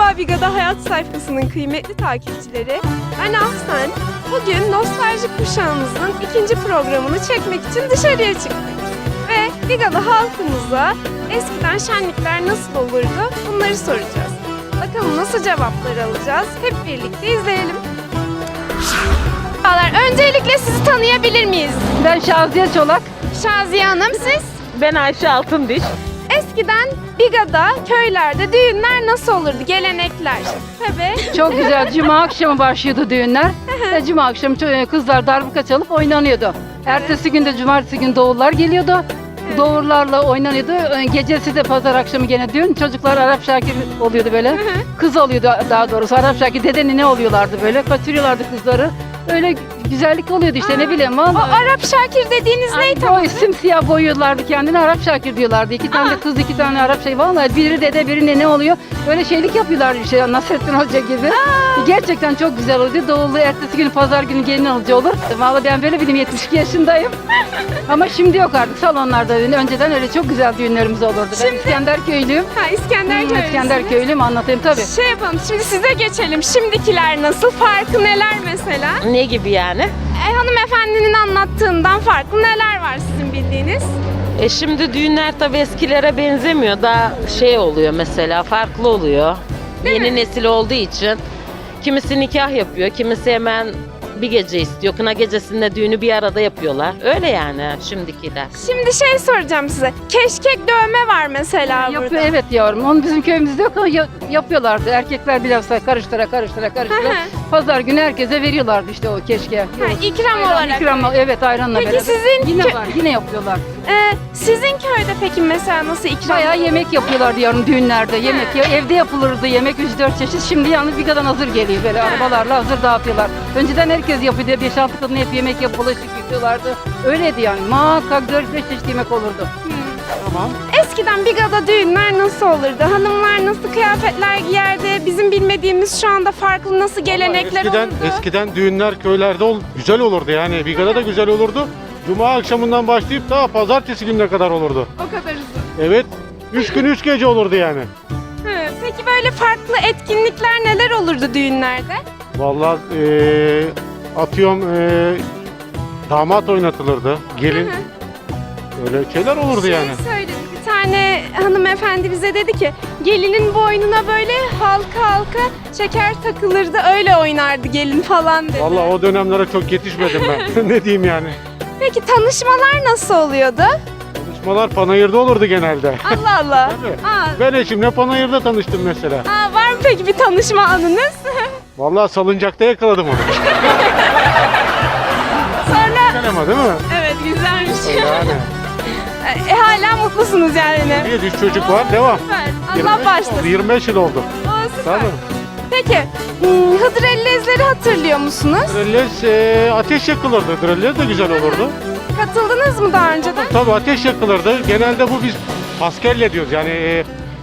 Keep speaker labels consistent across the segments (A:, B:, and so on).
A: Merhaba Biga'da Hayat sayfasının kıymetli takipçileri. Ben Ahsen. Bugün nostaljik kuşağımızın ikinci programını çekmek için dışarıya çıktık. Ve Biga'da halkımıza eskiden şenlikler nasıl olurdu bunları soracağız. Bakalım nasıl cevaplar alacağız? Hep birlikte izleyelim. Öncelikle sizi tanıyabilir miyiz?
B: Ben Şaziye Çolak.
A: Şaziye Hanım, siz?
B: Ben Ayşe Altındiş.
A: Eskiden Biga'da, köylerde düğünler nasıl olurdu? Gelenekler. Tabii.
B: Çok güzel. Cuma akşamı başlıyordu düğünler. Cuma akşamı kızlar darbuka çalıp oynanıyordu. Ertesi gün de cumartesi günü doğurlar geliyordu. Doğurlarla oynanıyordu. Gecesi de pazar akşamı gene düğün. Çocuklar Arap Şakir oluyordu böyle. Kız oluyordu daha doğrusu. Arap Şakir dedeni ne oluyorlardı böyle. Kaçırıyorlardı kızları. Öyle güzellik oluyordu işte, ne bileyim.
A: O Arap Şakir dediğiniz neydi?
B: O simsiyah boyuyorlardı kendini, Arap Şakir diyorlardı. İki tane de kız, iki tane Arap şey. Vallahi biri dede, biri ne oluyor. Böyle şeylik yapıyorlardı işte, Nasrettin Hoca gibi. Gerçekten çok güzel oluyordu. Doğulu ertesi günü pazar günü gelin alıcı olur. Vallahi ben böyle bileyim, 72 yaşındayım. Ama şimdi yok artık salonlarda. Önceden öyle çok güzel düğünlerimiz olurdu. Ben İskenderköylüyüm. İskenderköylüyüm, anlatayım tabii.
A: Şey yapalım, şimdi size geçelim. Şimdikiler nasıl? Farkı neler mesela?
C: Ne gibi yani?
A: Hanımefendinin anlattığından farklı neler var sizin bildiğiniz?
C: Şimdi düğünler tabii eskilere benzemiyor. Daha şey oluyor mesela, farklı oluyor. Yeni nesil olduğu için. Kimisi nikah yapıyor, kimisi hemen bir gece istiyor. Kına gecesinde düğünü bir arada yapıyorlar. Öyle yani şimdikiler.
A: Şimdi şey soracağım size. Keşkek dövme var mesela burada.
B: Yapıyor, evet yavrum. Onu bizim köyümüzde yok ama yapıyorlardı. Erkekler bilhassa karıştıra. Pazar günü herkese veriyorlardı işte o keşke.
A: İkram olarak.
B: İkram, evet, ayranla
A: Peki
B: beraber.
A: sizin
B: Yine var, yine yapıyorlar.
A: Sizin köyde peki mesela nasıl ikram?
B: Bayağı yemek yapıyorlardı yavrum düğünlerde. Yemek evde yapılırdı yemek 3-4 çeşit. Şimdi yalnız Biga'dan hazır geliyor böyle arabalarla hazır dağıtıyorlar. Önceden herkes yapıyordu. 5-6 kadın hep yemek yapıp bulaşık yıkıyorlardı. Öyleydi yani. Muhakkak 4-5 çeşit yemek olurdu.
D: Tamam.
A: Eskiden Biga'da düğünler nasıl olurdu? Hanımlar nasıl kıyafetler giyerdi? Bizim bilmediğimiz şu anda farklı nasıl gelenekler olurdu?
D: Eskiden düğünler köylerde güzel olurdu yani. Biga'da da güzel olurdu. Cuma akşamından başlayıp daha pazartesi gününe kadar olurdu.
A: O kadar uzun.
D: Evet. 3 gün 3 gece olurdu yani.
A: Peki böyle farklı etkinlikler neler olurdu düğünlerde?
D: Vallahi atıyorum damat oynatılırdı. Gelin. Öyle şeyler olurdu yani.
A: Söyledi, bir tane hanımefendi bize dedi ki gelinin boynuna böyle halka şeker takılırdı, öyle oynardı gelin falan dedi.
D: Vallahi o dönemlere çok yetişmedim ben. Ne diyeyim yani.
A: Peki tanışmalar nasıl oluyordu?
D: Tanışmalar panayırda olurdu genelde.
A: Allah Allah.
D: Tabii. Ben eşimle panayırda tanıştım mesela.
A: Var mı peki bir tanışma anınız?
D: Vallahi salıncakta yakaladım onu.
A: Sonra
D: Ama değil mi?
A: evet, güzelmiş.
D: Yani.
A: Hala mutlusunuz yani.
D: 3 çocuk var, devam.
A: Süper. Allah başlasın.
D: 25 yıl oldu.
A: Süper.
D: Tabii.
A: Peki Hıdrellezleri hatırlıyor musunuz?
D: Drelles, ateş yakılırdı. Drelles de güzel olurdu.
A: Katıldınız mı daha önceden?
D: Tabii ateş yakılırdı. Genelde bu biz paskelle diyoruz yani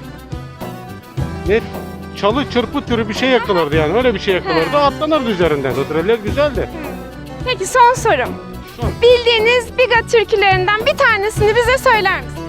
D: ne çalı çırpı türü bir şey yakılırdı yani. Öyle bir şey yakılırdı. Atlanırdı üzerinden. Drelles güzeldi.
A: Peki son sorum.
D: Sor.
A: Bildiğiniz Biga türkülerinden bir tanesini bize söyler misiniz?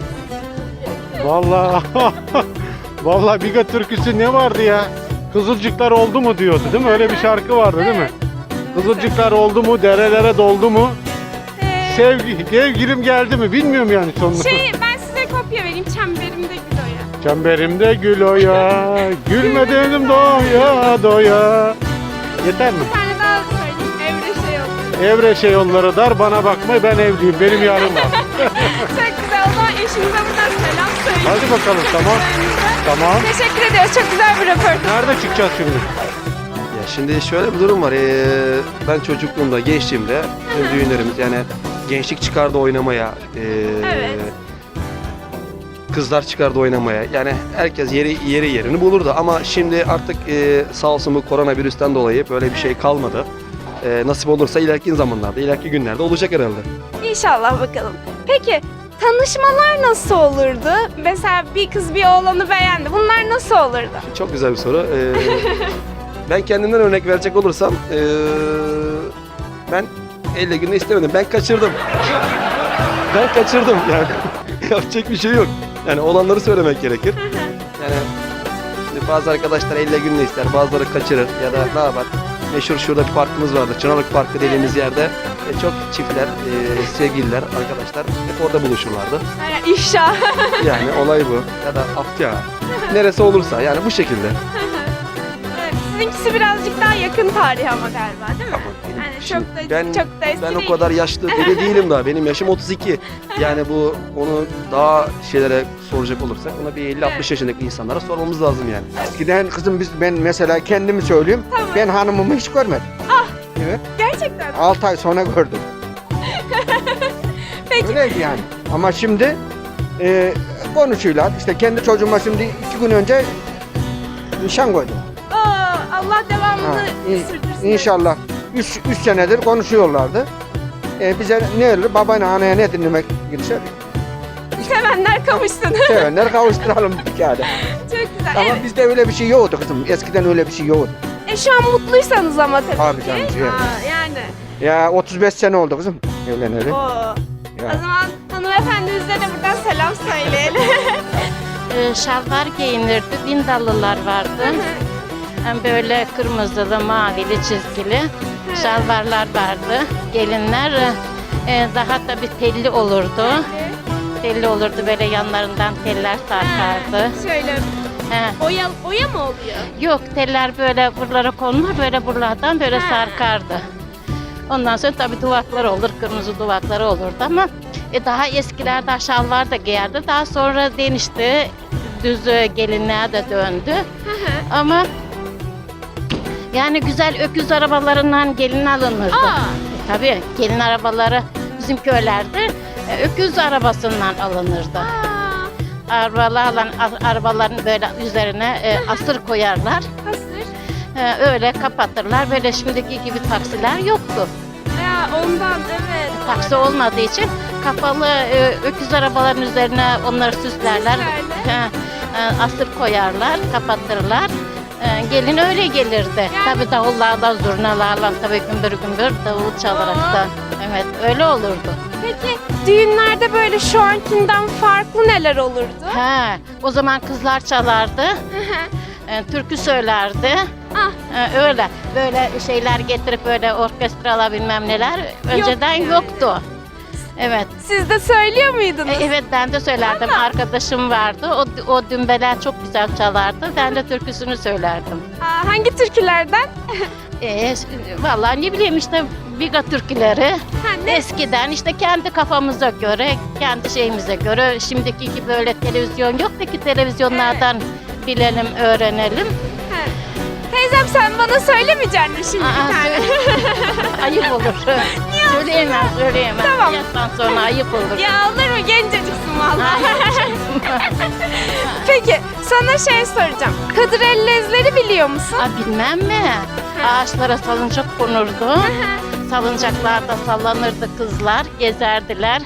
D: Vallahi Biga türküsü ne vardı ya? Kızılcıklar oldu mu diyordu değil mi? Öyle bir şarkı vardı değil mi? Kızılcıklar oldu mu, derelere doldu mu? Sevgilim geldi mi? Bilmiyorum yani sonunu.
A: Ben size kopya vereyim. Çemberimde gül oya.
D: Çemberimde gül oya, gülmedim doya. Yeter mi?
A: Bir tane daha söyleyeyim. Evre şey oldu.
D: Evreşe yolları dar, bana bakma ben evliyim, benim yarım var.
A: Çok güzel. O zaman eşinize buradan selam söyleyin.
D: Hadi bakalım, tamam. Tamam.
A: Teşekkür ediyoruz. Çok güzel bir röportaj.
D: Nerede çıkacağız şimdi?
E: Ya şimdi şöyle bir durum var. Ben çocukluğumda, gençliğimde bizim düğünlerimiz yani gençlik çıkardı oynamaya.
A: Evet.
E: Kızlar çıkardı oynamaya. Yani herkes yeri yerini bulurdu ama şimdi artık sağ olsun bu koronavirüsten dolayı böyle bir şey kalmadı. Nasip olursa ileriki zamanlarda, ileriki günlerde olacak herhalde.
A: İnşallah bakalım. Peki tanışmalar nasıl olurdu? Mesela bir kız bir oğlanı beğendi. Bunlar nasıl olurdu?
E: Çok güzel bir soru. Ben kendimden örnek verecek olursam ben 50 günde istemedim. Ben kaçırdım yani. Yapacak bir şey yok. Yani olanları söylemek gerekir. Yani bazı arkadaşlar elle günle ister, bazıları kaçırır ya da ne yapar? Meşhur şurada bir parkımız vardı, Çınalık Parkı dediğimiz yerde çok çiftler, sevgililer, arkadaşlar hep orada buluşurlardı.
A: Ha, İfşa.
E: Yani olay bu. Ya da Afya. Neresi olursa yani bu şekilde.
A: Evet, sizinkisi birazcık daha yakın tarih ama galiba değil mi?
E: Ama benim
A: Yani
E: şimdi
A: çok da eski
E: ben o
A: değil.
E: kadar yaşlı biri değilim daha. Benim yaşım 32. Yani bu onu daha şeylere soracak olursak ona bir 50-60 yaşındaki insanlara sormamız lazım yani.
F: Eskiden kızım ben mesela kendimi söyleyeyim.
A: Tamam.
F: Ben hanımımı hiç görmedim. Evet.
A: Gerçekten.
F: 6 ay sonra gördüm.
A: Peki.
F: Öyleydi yani. Ama şimdi konuşuyorlar. İşte kendi çocuğuma şimdi 2 gün önce nişan koydum.
A: Oo, Allah devamını
F: Ha,
A: sürdürsün.
F: İnşallah 3 senedir konuşuyorlardı. Bize ne olur babana anaya ne dinlemek girişer.
A: Sevenler kavuşsun.
F: Sevenler kavuşturalım dedik yani.
A: Çok güzel.
F: Ama
A: Evet.
F: bizde öyle bir şey yoktu kızım. Eskiden öyle bir şey yoktu.
A: Şu an mutluysanız ama tabii
F: Tabii
A: ki.
F: canım, evet.
A: Yani.
F: Ya 35 sene oldu kızım evleneli.
A: Oo.
F: Ya.
A: O zaman hanımefendimize de buradan selam söyleyelim.
G: Şalvar giyinirdi, bindallılar vardı. Hem böyle kırmızılı, mavili, çizgili şalvarlar vardı. Gelinler daha tabii telli olurdu. Telli olurdu, böyle yanlarından teller sarkardı.
A: Şöyle
G: He.
A: oya mı oluyor?
G: Yok, teller böyle buralara konulur, böyle buralardan böyle
A: Ha.
G: sarkardı. Ondan sonra tabii duvaklar olur, kırmızı duvakları olurdu ama daha eskilerde şalvar da giyerdi. Daha sonra değişti, düz gelinliğe de döndü. Ama yani güzel öküz arabalarından gelin alınırdı. Tabii gelin arabaları bizim köylerde öküz arabasından alınırdı. Arabaların böyle üzerine asır koyarlar.
A: Hazır.
G: Öyle kapatırlar. Böyle şimdiki gibi taksiler yoktu.
A: Ya ondan evet.
G: Taksi olmadığı için kapalı öküz arabaların üzerine onları süslerler. Asır koyarlar, kapatırlar. Gelin öyle gelirdi. Tabii davullarla, zurnalarla, tabii gümbür gümbür davul çalarak da. Evet, öyle olurdu.
A: Peki düğünlerde böyle şu ankinden farklı neler olurdu?
G: He, o zaman kızlar çalardı, türkü söylerdi. Öyle, böyle şeyler getirip böyle orkestralar bilmem neler önceden
A: yani.
G: yoktu. Evet.
A: Siz de söylüyor muydunuz?
G: Evet, ben de söylerdim. Arkadaşım vardı. O dümbeler çok güzel çalardı. Ben de türküsünü söylerdim.
A: Hangi türkülerden?
G: Vallahi ne bileyim işte Biga türküleri.
A: Ne?
G: Eskiden işte kendi kafamıza göre, kendi şeyimize göre. Şimdiki gibi böyle televizyon yok da ki televizyonlardan bilelim, öğrenelim.
A: Teyzem sen bana söylemeyecek misin şimdi
G: Aa,
A: bir tane?
G: Ayıp olur. Söyleyemem.
A: Tamam.
G: Yaştan sonra ayıp olur.
A: Ya olur mu? Genceciksin vallahi.
G: Ayıp.
A: Peki sana şey soracağım. Kıdrellezleri biliyor musun?
G: Bilmem mi? Ağaçlara salıncak konurdu. Salıncaklarda sallanırdı kızlar, gezerdiler.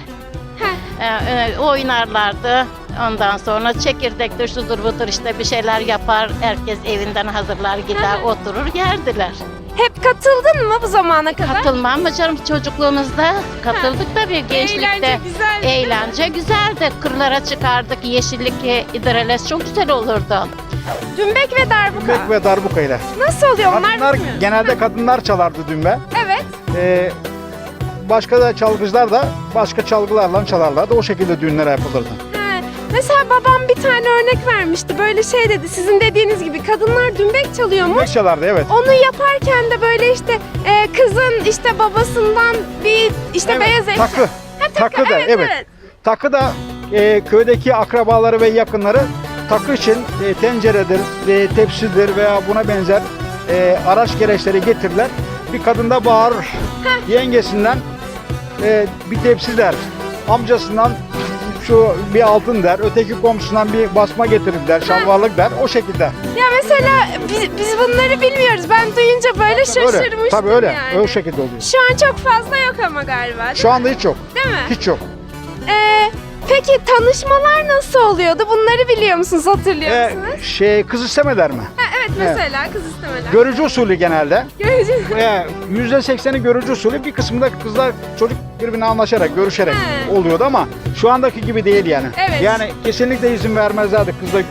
G: Oynarlardı. Ondan sonra çekirdektir, şudur budur işte bir şeyler yapar. Herkes evinden hazırlar gider, oturur yerdiler.
A: Hep katıldın mı bu zamana kadar?
G: Katılmam mı canım çocukluğumuzda? Katıldık tabii gençlikte.
A: Eğlence güzel.
G: Eğlence güzeldi. Kırlara çıkardık, yeşillik, idrales çok güzel olurdu.
A: Dümbek ve darbuka.
H: Dümbek ve darbuka ile.
A: Nasıl oluyor onlar
H: Kadınlar,
A: bilmiyorum.
H: genelde kadınlar çalardı dümbe.
A: Evet.
H: Başka da çalgıcılar da başka çalgılarla çalarlardı. O şekilde düğünler yapılırdı.
A: Mesela babam bir tane örnek vermişti. Böyle şey dedi. Sizin dediğiniz gibi kadınlar dümbek çalıyormuş.
H: Dümbek çalardı, evet.
A: Onu yaparken de böyle işte kızın işte babasından bir işte
H: Evet,
A: beyaz eşya.
H: takı. Takı da,
A: evet,
H: evet. Takı da köydeki akrabaları ve yakınları takı için tenceredir, tepsidir veya buna benzer araç gereçleri getirirler. Bir kadın da bağırır. Yengesinden bir tepsi der. Amcasından şu bir altın der. Öteki komşusundan bir basma getirir der. Şalvarlık der. O şekilde.
A: Ya mesela biz bunları bilmiyoruz. Ben duyunca böyle şaşırmıştım
H: Tabii öyle.
A: yani.
H: O şekilde oluyor.
A: Şu an çok fazla yok ama galiba değil
H: Şu anda hiç yok.
A: Değil mi?
H: Hiç yok.
A: Peki tanışmalar nasıl oluyordu? Bunları biliyor musunuz? Hatırlıyor musunuz?
H: Kız istemeder mi?
A: Evet mesela kız istemeler.
H: Görücü usulü genelde.
A: Göreceğiz.
H: %80'i görücü usulü, bir kısmında kızlar çocuk birbirine anlaşarak, görüşerek
A: He.
H: oluyordu ama şu andaki gibi değil yani.
A: Evet.
H: Yani kesinlikle izin vermezlerdi kızla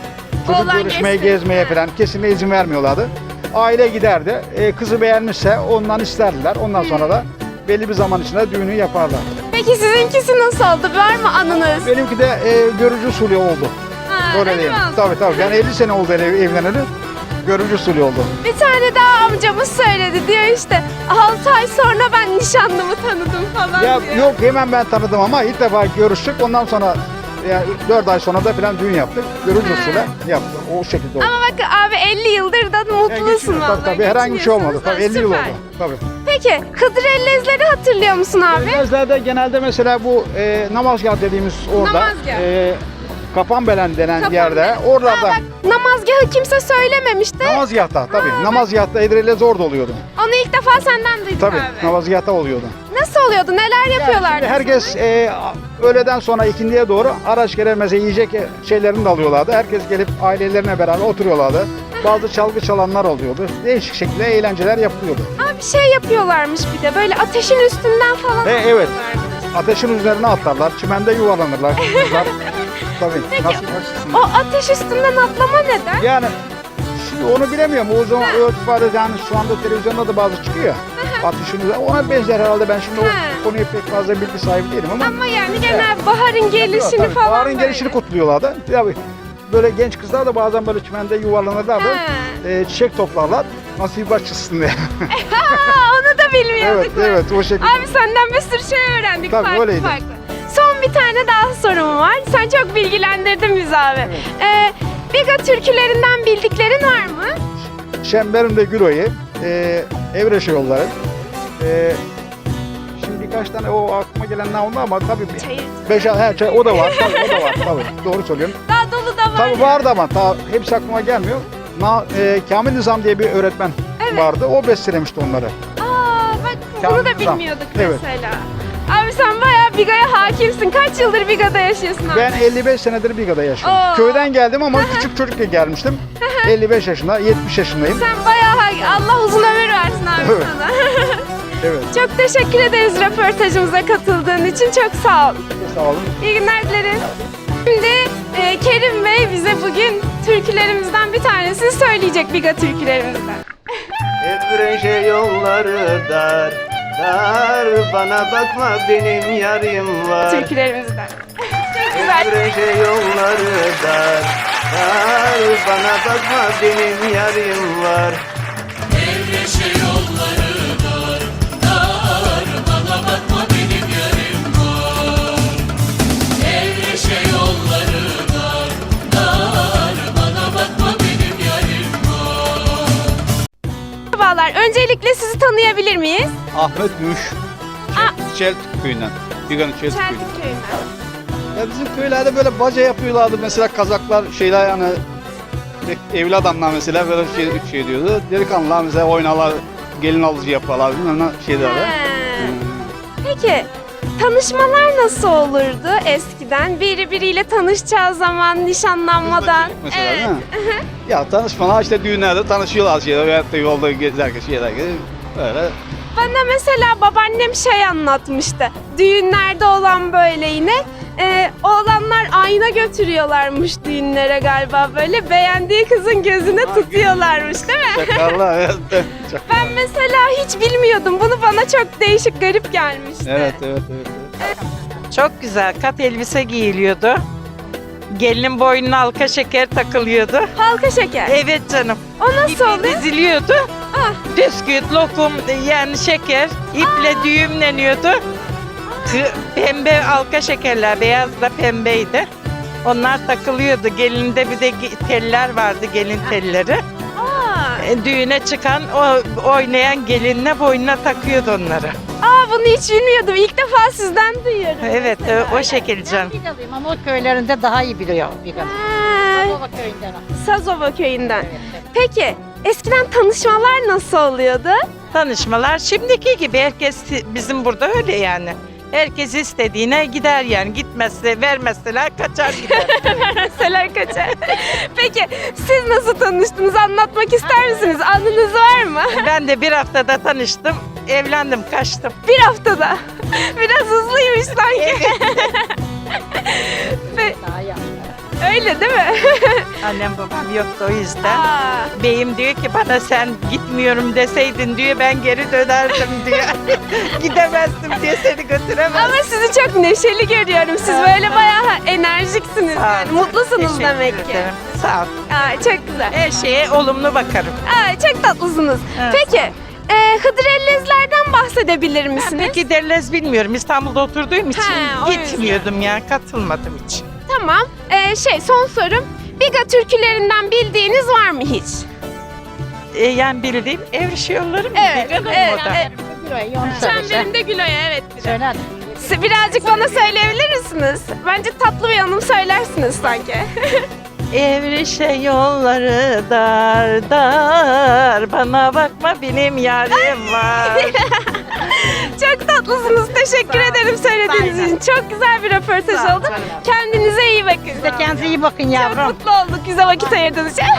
H: Kızı
A: Oğlan
H: görüşmeye,
A: gezsin.
H: gezmeye
A: Ha.
H: falan kesinlikle izin vermiyorlardı. Aile giderdi. Kızı beğenmişse ondan isterdiler. Ondan sonra da belli bir zaman içinde düğünü yaparlar.
A: Peki sizinkisi nasıl oldu? Var mı anınız?
H: Benimki de görücü usulü oldu.
A: Ha,
H: Öyle
A: öyle
H: diyeyim.
A: mi oldu?
H: Tabii. Yani 50 sene oldu evleneli. Görücü usulü oldu.
A: Bir tane daha amcamız söyledi. Diyor işte 6 ay sonra ben nişanlımı tanıdım falan
H: Ya
A: diyor.
H: yok hemen ben tanıdım ama ilk defa görüştük. Ondan sonra yani 4 ay sonra da falan düğün yaptık. Görücü usulü yaptık. O şekilde oldu.
A: Ama bak abi 50 yıldır da
H: Yani
A: mutlusun
H: geçiniyor,
A: vallahi.
H: tabii herhangi bir şey olmadı.
A: geçiniyorsunuz.
H: Tabii 50 yıl oldu.
A: Süper.
H: Tabii.
A: Peki Hıdrellezleri hatırlıyor musun abi?
H: Mezlerde genelde mesela bu namazgah dediğimiz orada.
A: Namazgah.
H: Kapanbelen denen
A: Kapanbelen.
H: yerde.
A: Ha,
H: Oralarda.
A: bak namazgahı kimse söylememişti.
H: Namazgahta tabii. Namazgahta Hıdrellez orada oluyordu.
A: Onu ilk defa senden duydum
H: Tabii.
A: abi.
H: Namazgahta oluyordu.
A: Nasıl oluyordu? Neler yapıyorlardı?
H: Şimdi herkes öğleden sonra ikindiye doğru araç gelemeze yiyecek şeylerini de alıyorlardı. Herkes gelip ailelerine beraber oturuyorlardı. Bazı çalgı çalanlar oluyordu. Değişik şekilde eğlenceler yapılıyordu.
A: Abi şey yapıyorlarmış bir de böyle ateşin üstünden falan.
H: Evet.
A: atlıyorlarmış.
H: Ateşin üzerine atlarlar. Çimende yuvarlanırlar. Kızlar. Tabii.
A: Peki,
H: Nasıl
A: O ateş üstünden atlama neden?
H: Yani şimdi onu bilemiyorum. O zaman örtbade yani şu anda televizyonda da bazı çıkıyor ya. Ateşin üzerine. Ona benzer herhalde. Ben şimdi
A: Ha.
H: o konuya pek fazla bilgi sahibi değilim ama.
A: Ama yani genel baharın gelişini
H: Tabii,
A: falan
H: baharın
A: böyle.
H: gelişini kutluyorlardı. Tabii. Böyle genç kızlar da bazen böyle çimende yuvarlanırlardı.
A: Ha.
H: Çiçek toplarlar. Nasip açılsın diye.
A: Onu da bilmiyorduk.
H: evet o şekilde.
A: Abi senden bir sürü şey öğrendik
H: Tabii,
A: farklı
H: öyleydi.
A: farklı. Son bir tane daha sorum var. Sen çok bilgilendirdin bizi abi. Biga türkülerinden bildiklerin var mı?
H: Şemberimde Güro'yu, Evreşe yolları. Şimdi birkaç tane o aklıma gelenler oldu ama tabii
A: Çayır.
H: o da var. Tabii, o da var. Tabii, doğru söylüyorum.
A: Daha dolu da var.
H: Tabii vardı ama hepsi aklıma gelmiyor. Kamil Nizam diye bir öğretmen vardı. O bestelemişti onları.
A: Aa bak bunu
H: Kamil
A: da
H: Nizam.
A: bilmiyorduk
H: Evet.
A: mesela. Abi sen bayağı Biga'ya hakimsin. Kaç yıldır Biga'da yaşıyorsun abi?
H: Ben 55 senedir Biga'da yaşıyorum.
A: Oo.
H: Köyden geldim ama küçük çocukken gelmiştim. 55 yaşında, 70 yaşındayım.
A: Sen bayağı Allah uzun ömür versin abi
H: Evet.
A: sana.
H: Evet,
A: Çok teşekkür ederiz röportajımıza katıldığın için. Çok sağ ol.
H: sağ olun.
A: İyi günler dileriz. Şimdi Kerim Bey bize bugün türkülerimizden bir tanesini söyleyecek Biga türkülerimizden.
I: Evreşe yolları dar, dar bana bakma benim yarım var.
A: Türkülerimizden. Çok güzel.
I: Evreşe yolları dar, dar bana bakma benim yarım var.
A: Merhabalar. Öncelikle sizi tanıyabilir miyiz?
J: Ahmet Gümüş. Çeltik köyünden. Biga'nın Çeltik köyü.
A: Çeltik köyünden.
J: Ya bizim köylerde böyle baca yapıyorlardı mesela kazaklar şeyler yani evli adamlar mesela böyle şey diyordu. Delikanlılar mesela oynarlar, gelin alıcı yaparlar bilmem ne şeyler.
A: Ha. Peki tanışmalar nasıl olurdu eskiden? Biri biriyle tanışacağı zaman nişanlanmadan.
J: Mesela
A: Evet.
J: değil mi? Ya tanışmalar işte düğünlerde tanışıyorlar şeyler veyahut da yolda gezerken şeyler gibi böyle.
A: Bana mesela babaannem şey anlatmıştı. Düğünlerde olan böyle yine oğlanlar ayna götürüyorlarmış düğünlere galiba böyle. Beğendiği kızın gözüne tutuyorlarmış değil mi?
J: Çakarlar evet.
A: Ben mesela hiç bilmiyordum. Bunu bana çok değişik garip gelmişti.
J: Evet.
K: Çok güzel. Kat elbise giyiliyordu. Gelinin boynuna halka şeker takılıyordu.
A: Halka şeker.
K: Evet canım.
A: O nasıl
K: İple
A: oluyor?
K: diziliyordu.
A: Ah.
K: Bisküvit, lokum yani şeker iple düğümleniyordu. Pembe halka şekerler, beyaz da pembeydi. Onlar takılıyordu. Gelinde bir de teller vardı, gelin telleri.
A: Aa,
K: Düğüne çıkan, oynayan gelinine boynuna takıyordu onları.
A: bunu hiç bilmiyordum. İlk defa sizden duyuyorum.
K: Evet,
A: mesela.
K: o şekil canım.
G: Ben Bigalıyım ama o köylerinde daha iyi biliyor Bigalı.
A: Ha,
G: Baba köyünden o.
A: Sazova köyünden.
G: Evet, evet.
A: Peki eskiden tanışmalar nasıl oluyordu?
K: Tanışmalar şimdiki gibi herkes bizim burada öyle yani. Herkes istediğine gider yani gitmezse vermezseler kaçar gider.
A: Mesela kaçar. Peki siz nasıl tanıştınız? Anlatmak ister misiniz? Anınız var mı?
K: Ben de bir haftada tanıştım, evlendim, kaçtım.
A: Bir haftada. Biraz hızlıymış sanki.
G: Daha iyi.
A: Öyle değil mi?
K: Annem babam yoktu o yüzden.
A: Aa,
K: Beyim diyor ki bana sen gitmiyorum deseydin diyor ben geri dönerdim diyor. Gidemezdim diye seni götüremezdim.
A: ama sizi çok neşeli görüyorum. Siz böyle bayağı enerjiksiniz
K: Sağ ol.
A: yani. Mutlusunuz
K: Teşekkür
A: demek ki.
K: ederim. Sağ ol.
A: Aa, çok güzel.
K: Her şeye olumlu bakarım.
A: Aa, çok tatlısınız.
K: Evet.
A: Peki, Hıdrellezlerden bahsedebilir misiniz?
K: Peki derlez bilmiyorum. İstanbul'da oturduğum için
A: He, o yüzden.
K: gitmiyordum ya. Katılmadım hiç.
A: Tamam. Son sorum. Biga türkülerinden bildiğiniz var mı hiç?
K: Yani bildiğim Evriş yolları mı?
A: Evet,
K: Bilmiyorum
A: evet,
K: o da.
A: evet. Çemberinde Gülo'ya, evet.
B: Söyle hadi.
A: Birazcık bana söyleyebilir misiniz? Bence tatlı bir hanım söylersiniz sanki.
K: Evrişe yolları dar dar, bana bakma benim yarim var.
A: Çok tatlısınız. Teşekkür ederim söylediğiniz için. Çok güzel bir röportaj
K: Sağ ol
A: oldu.
K: canım.
A: Kendinize iyi bakın.
B: Siz de kendinize iyi bakın
A: Çok
B: yavrum.
A: mutlu olduk bize vakit ayırdığınız için.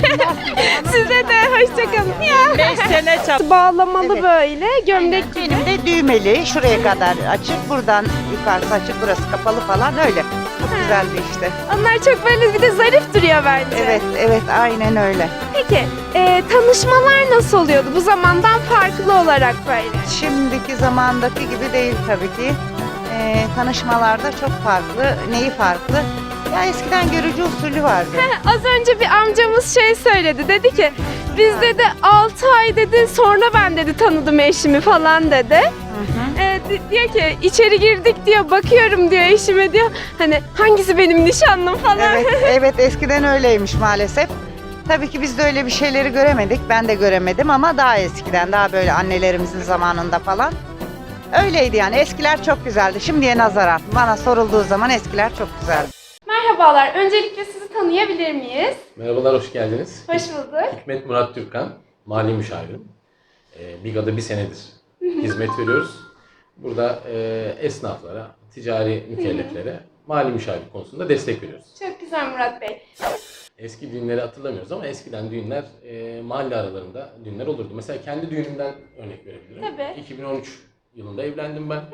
A: Size de hoşçakalın.
K: 5 sene çalıştım.
A: Bağlamalı
L: Evet.
A: böyle gömlek gibi.
L: Benim de düğmeli, şuraya kadar açık, buradan yukarısı açık, burası kapalı falan öyle. Çok güzeldi işte.
A: Onlar çok böyle bir de zarif duruyor bence.
L: Evet, evet aynen öyle.
A: Peki tanışmalar nasıl oluyordu bu zamandan farklı olarak böyle?
L: Şimdiki zamandaki gibi değil tabii ki. Tanışmalarda çok farklı. Neyi farklı? Ya eskiden görücü usulü vardı.
A: Az önce bir amcamız şey söyledi. Dedi ki biz dedi 6 ay dedi sonra ben dedi tanıdım eşimi falan dedi.
L: Hı hı.
A: Diyor ki içeri girdik diyor bakıyorum diyor eşime diyor. Hani hangisi benim nişanlım falan.
L: Evet, evet eskiden öyleymiş maalesef. Tabii ki biz de öyle bir şeyleri göremedik. Ben de göremedim ama daha eskiden, daha böyle annelerimizin zamanında falan. Öyleydi yani. Eskiler çok güzeldi. Şimdiye nazaran bana sorulduğu zaman eskiler çok güzeldi.
A: Merhabalar. Öncelikle sizi tanıyabilir miyiz?
M: Merhabalar, hoş geldiniz.
A: Hoş bulduk.
M: Hikmet Murat Türkan, mali müşavirim. Biga'da bir senedir hizmet veriyoruz. Burada esnaflara, ticari mükelleflere mali müşavirlik konusunda destek veriyoruz.
A: Çok güzel Murat Bey.
M: Eski düğünleri hatırlamıyoruz ama eskiden düğünler mahalle aralarında düğünler olurdu. Mesela kendi düğünümden örnek verebilirim.
A: Tabii.
M: 2013 yılında evlendim ben.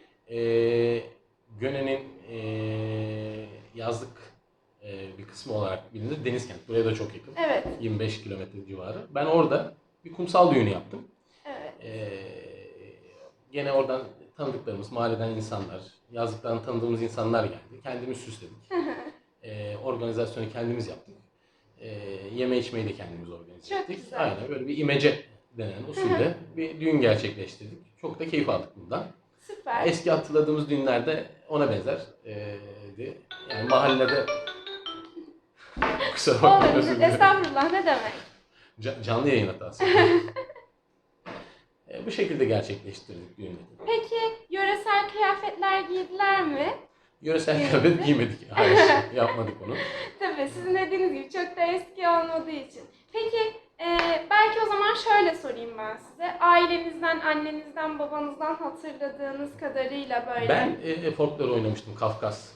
M: Göne'nin yazlık bir kısmı olarak bilinir Denizkent. Buraya da çok yakın.
A: Evet.
M: 25 kilometre civarı. Ben orada bir kumsal düğünü yaptım.
A: Evet.
M: Gene oradan tanıdıklarımız, mahalleden insanlar, yazlıktan tanıdığımız insanlar geldi. Kendimiz süsledik. Organizasyonu kendimiz yaptık. Yeme içmeyi de kendimiz organize
A: Çok
M: ettik.
A: güzel.
M: Aynen böyle bir imece denen usulde bir düğün gerçekleştirdik. Çok da keyif aldık bundan.
A: Süper.
M: Eski hatırladığımız düğünlerde ona benzer. Yani mahallede kusura bakmayın, özür
A: Olur.
M: dilerim.
A: Estağfurullah ne demek.
M: Canlı yayın hatası. Bu şekilde gerçekleştirdik düğünü.
A: Peki yöresel kıyafetler giydiler mi?
M: Yöresel kıyafet giymedik. Hayır, yapmadık onu.
A: Tabii sizin dediğiniz gibi çok da eski olmadığı için. Peki belki o zaman şöyle sorayım ben size. Ailenizden, annenizden, babanızdan hatırladığınız kadarıyla böyle.
M: Ben folklor oynamıştım, Kafkas.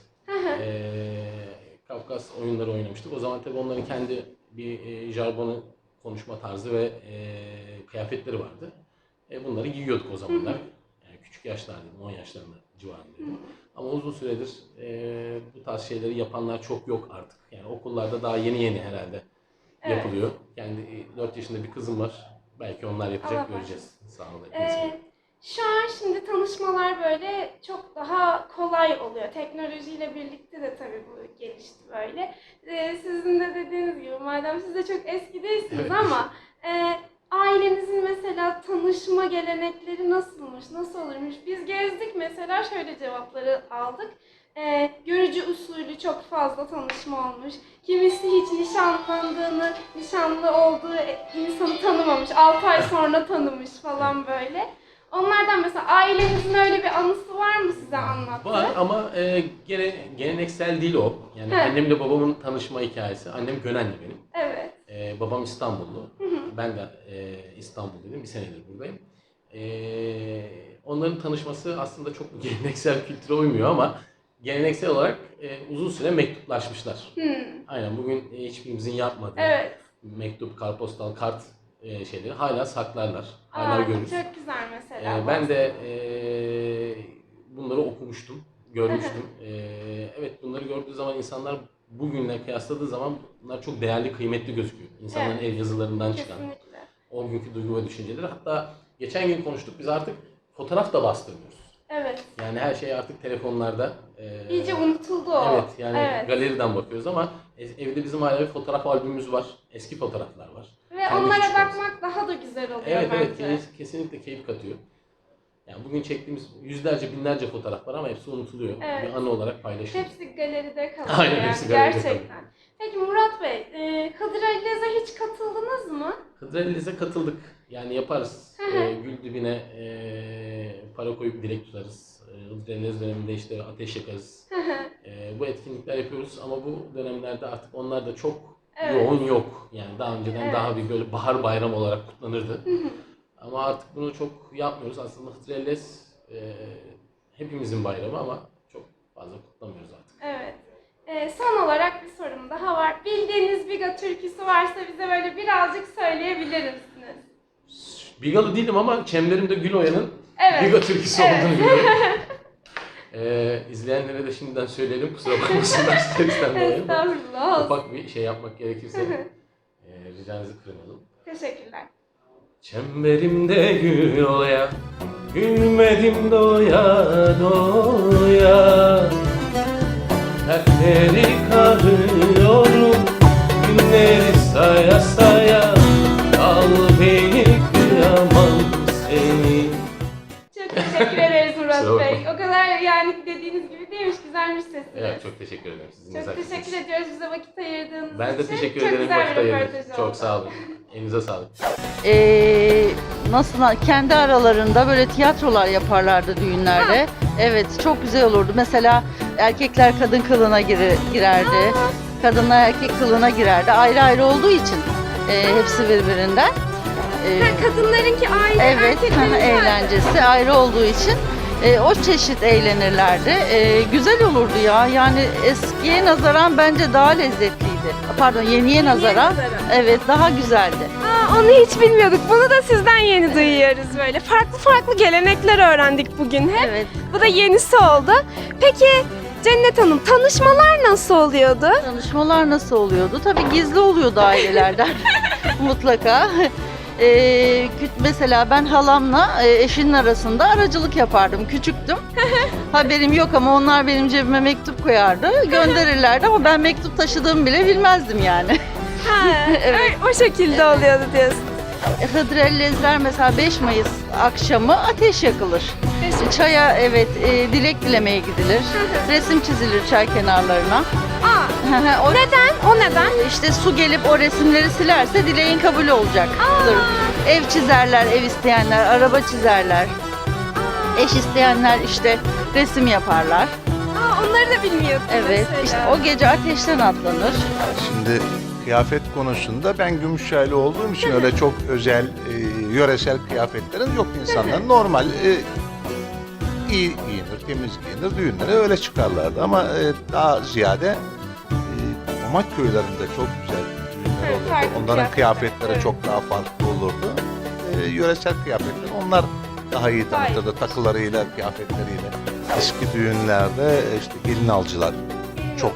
M: Kafkas oyunları oynamıştık. O zaman tabii onların kendi bir jargonu, konuşma tarzı ve kıyafetleri vardı. Bunları giyiyorduk o zamanlar. Yani küçük yaşlardaydım, 10 yaşlarında civarındaydım. Ama uzun süredir bu tarz şeyleri yapanlar çok yok artık. Yani okullarda daha yeni herhalde yapılıyor. Kendi 4 yaşında bir kızım var. Belki onlar yapacak,
A: Allah
M: göreceğiz. Sağ olun hepinize.
A: Şu an şimdi tanışmalar böyle çok daha kolay oluyor. Teknolojiyle birlikte de tabii bu gelişti böyle. Sizin de dediğiniz gibi madem siz de çok eski değilsiniz
M: Evet.
A: ama ailenizin mesela tanışma gelenekleri nasılmış, nasıl olurmuş? Biz gezdik mesela şöyle cevapları aldık. Görücü usulü çok fazla tanışma olmuş. Kimisi hiç nişanlı olduğu insanı tanımamış. 6 ay sonra tanımış falan böyle. Onlardan mesela ailenizin öyle bir anısı var mı size anlattığı?
M: Var ama geleneksel değil o. Yani annemle babamın tanışma hikayesi. Annem Gönenli benim.
A: Evet.
M: Babam İstanbullu. Ben de İstanbulluyum. Bir senedir buradayım. Onların tanışması aslında çok geleneksel kültüre uymuyor ama geleneksel olarak uzun süre mektuplaşmışlar. Aynen bugün hiçbirimizin yapmadığı mektup, kartpostal, kart şeyleri hala saklarlar. Hala görürüz.
A: Çok güzel mesela.
M: Ben de bunları okumuştum, görmüştüm. Evet bunları gördüğü zaman insanlar bugünle kıyasladığı zaman bunlar çok değerli, kıymetli gözüküyor. İnsanların
A: Evet.
M: el yazılarından çıkan
A: Kesinlikle.
M: o günkü duygu ve düşünceleri. Hatta geçen gün konuştuk, biz artık fotoğraf da bastırmıyoruz.
A: Evet.
M: Yani her şey artık telefonlarda.
A: İyice unutuldu o.
M: Evet, yani
A: Evet.
M: galeriden bakıyoruz ama evde bizim hala bir fotoğraf albümümüz var. Eski fotoğraflar var.
A: Ve
M: Kendi
A: onlara
M: küçüklüğümüz.
A: bakmak daha da güzel oluyor
M: Evet
A: bence.
M: evet, kesinlikle keyif katıyor. Yani bugün çektiğimiz yüzlerce, binlerce fotoğraf var ama hepsi unutuluyor.
A: Evet.
M: Bir anı olarak paylaşılıyor.
A: Hepsi galeride kalıyor
M: Aynen,
A: yani
M: hepsi galeride
A: gerçekten. Peki Murat Bey, Kadirali'de hiç katıldınız mı?
M: Hıdrellez'e katıldık. Yani yaparız.
A: Hı hı.
M: Gül dibine para koyup dilek tutarız. Hıdrellez döneminde işte ateş yakarız. Bu etkinlikler yapıyoruz ama bu dönemlerde artık onlar da çok
A: Evet.
M: yoğun yok. Yani daha önceden
A: Evet.
M: daha bir böyle bahar bayramı olarak kutlanırdı. Ama artık bunu çok yapmıyoruz. Aslında Hıdrellez hepimizin bayramı ama çok fazla kutlamıyoruz artık.
A: Evet. Son olarak bir sorum daha var. Bildiğiniz Biga türküsü varsa bize böyle birazcık söyleyebilir misiniz?
M: Bigalı değilim ama çemberimde Gül Oya'nın
A: Evet.
M: Biga türküsü
A: Evet.
M: olduğunu biliyorum. İzleyenlere de şimdiden söyleyelim, kusura bakmasınlar ister istemez.
A: Estağfurullah.
M: Ufak bir şey yapmak gerekirse ricanızı kırmayalım.
A: Teşekkürler.
M: Çemberimde gül oya, gülmedim doya doya. Dertleri karıyorum, günleri saya saya. Al beni kıyamam seni.
A: Çok teşekkür ederiz Murat
M: Kusura
A: Bey.
M: bakma.
A: O kadar yani dediğiniz gibi değilmiş, güzelmiş sesiniz.
M: Evet, çok teşekkür ederim. Sizin
A: Çok
M: nezaketiniz.
A: teşekkür ediyoruz bize vakit ayırdığınız
M: Ben de
A: için.
M: teşekkür
A: Çok
M: ederim
A: güzel
M: vakit
A: bir
M: ayırdınız.
A: röportaj
M: Çok
A: oldu.
M: sağ olun. Elinize sağlık.
B: Nasıl kendi aralarında böyle tiyatrolar yaparlardı düğünlerde. Evet, çok güzel olurdu. Mesela erkekler kadın kılığına girerdi. Kadınlar erkek kılığına girerdi. Ayrı ayrı olduğu için hepsi birbirinden.
A: Kadınlarınki ayrı,
B: Evet,
A: erkeklerinki ayrı.
B: eğlencesi ayrı olduğu için o çeşit eğlenirlerdi. Güzel olurdu ya. Yani eskiye nazaran bence daha lezzetliydi. Pardon, yeniye nazaran. Evet, daha güzeldi.
A: Onu hiç bilmiyorduk. Bunu da sizden yeni duyuyoruz böyle. Farklı farklı gelenekler öğrendik bugün hep.
B: Evet.
A: Bu da yenisi oldu. Peki Cennet Hanım, tanışmalar nasıl oluyordu?
B: Tanışmalar nasıl oluyordu? Tabii gizli oluyordu ailelerden mutlaka. Mesela ben halamla eşinin arasında aracılık yapardım. Küçüktüm. Haberim yok ama onlar benim cebime mektup koyardı. Gönderirlerdi ama ben mektup taşıdığımı bile bilmezdim yani. Evet.
A: O şekilde oluyordu diyorsun.
B: Hıdrellezler mesela 5 Mayıs akşamı ateş yakılır. Çaya dilek dilemeye gidilir. Resim çizilir çay kenarlarına.
A: Neden? O neden?
B: İşte su gelip o resimleri silerse dileğin kabul olacaktır. Ev çizerler, ev isteyenler, araba çizerler. Eş isteyenler işte resim yaparlar.
A: Onları da bilmiyordum
B: Evet,
A: mesela.
B: işte o gece ateşten atlanır.
N: Şimdi kıyafet konusunda ben Gümüşyaylı olduğum için öyle çok özel, yöresel kıyafetlerin yok insanların. Normal, iyi giyinir, temiz giyinir, düğünlere öyle çıkarlardı. Ama daha ziyade Mamak köylerinde çok güzel düğünler olurdu.
A: farklı
N: Onların
A: kıyafetler,
N: kıyafetleri çok daha farklı olurdu. Yöresel kıyafetler, onlar daha iyi tanıtırdı takılarıyla, kıyafetleriyle. Eski düğünlerde işte gelin alcılar çok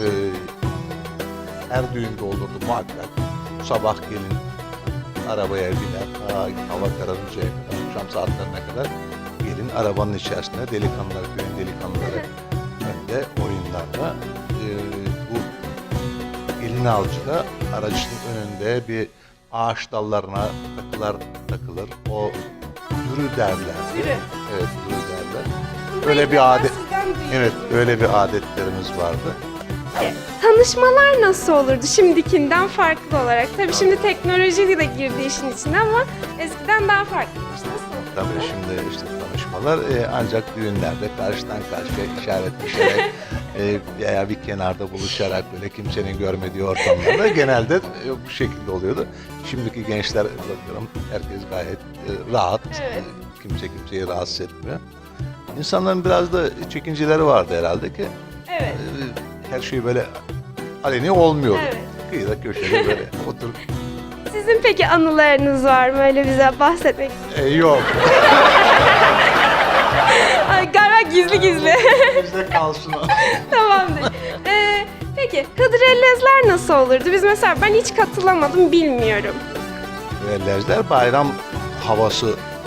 N: her düğünde olurdu muhakkak. Sabah gelin arabaya biner, hava kararıncaya kadar, akşam saatlerine kadar gelin arabanın içerisinde delikanlılar, köyün delikanlıları önde oyunlarla bu gelin avcıda aracın önünde bir ağaç dallarına takılar takılır. O dürü derlerdi.
A: Dürü.
N: Evet, dürü derler. Öyle bir adet. Evet, öyle bir adetlerimiz vardı.
A: Tanışmalar nasıl olurdu şimdikinden farklı olarak? Tabii şimdi teknoloji de girdi işin içine ama eskiden daha farklıymış. Nasıl?
N: Tabii şimdi işte tanışmalar ancak düğünlerde karşıdan karşıya işaretleşerek veya bir kenarda buluşarak böyle kimsenin görmediği ortamlarda genelde bu şekilde oluyordu. Şimdiki gençler bakıyorum herkes gayet rahat.
A: Evet.
N: Kimse kimseyi rahatsız etmiyor. İnsanların biraz da çekinceleri vardı herhalde ki
A: Evet.
N: her şey böyle aleni olmuyordu.
A: Evet.
N: Kıyıda köşede böyle oturup
A: Sizin peki anılarınız var mı öyle bize bahsetmek?
N: yok.
A: Ay, galiba gizli gizli.
N: Bizde kalsın o.
A: Tamamdır. Peki Peki Hıdrellezler nasıl olurdu? Biz mesela ben hiç katılamadım, bilmiyorum.
N: Hıdrellezler bayram havası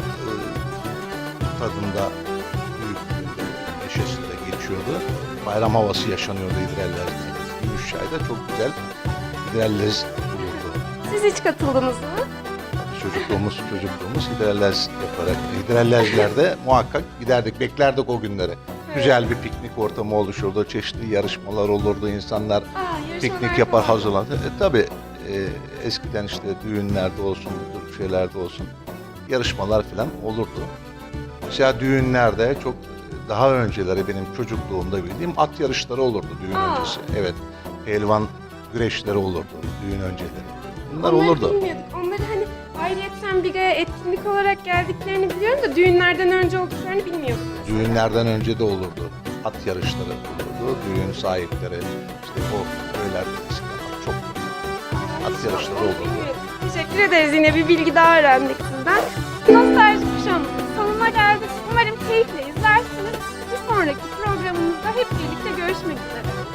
N: tadında büyük neşesinde geçiyordu. Bayram havası yaşanıyordu Hıdrellez'de. Gümüşçay'da çok güzel Hıdrellez olurdu.
A: Siz hiç katıldınız mı?
N: Çocukluğumuz Hıdrellez yaparak. Hıdrellezlerde muhakkak giderdik, beklerdik o günleri. Güzel bir piknik ortamı oluşurdu, çeşitli yarışmalar olurdu, insanlar piknik yapar, hazırlanır. Tabii eskiden işte düğünlerde olsun, bu tür şeylerde olsun yarışmalar falan olurdu. Mesela düğünlerde çok daha önceleri benim çocukluğumda bildiğim at yarışları olurdu düğün öncesi. Evet, pehlivan güreşleri olurdu düğün önceleri. Bunlar
A: Onları
N: olurdu.
A: bilmiyorduk. Onları hani ayrıyetten bir etkinlik olarak geldiklerini biliyorum da düğünlerden önce olduklarını bilmiyordum.
N: Düğünlerden önce de olurdu. At yarışları olurdu. Düğün sahipleri, işte o köylerde eskiden çok at yarışları olurdu.
A: Teşekkür ederiz. Yine bir bilgi daha öğrendik sizden. Nostalji kuşağımızın sonuna geldik. Umarım keyifle izlersiniz. Bir sonraki programımızda hep birlikte görüşmek üzere.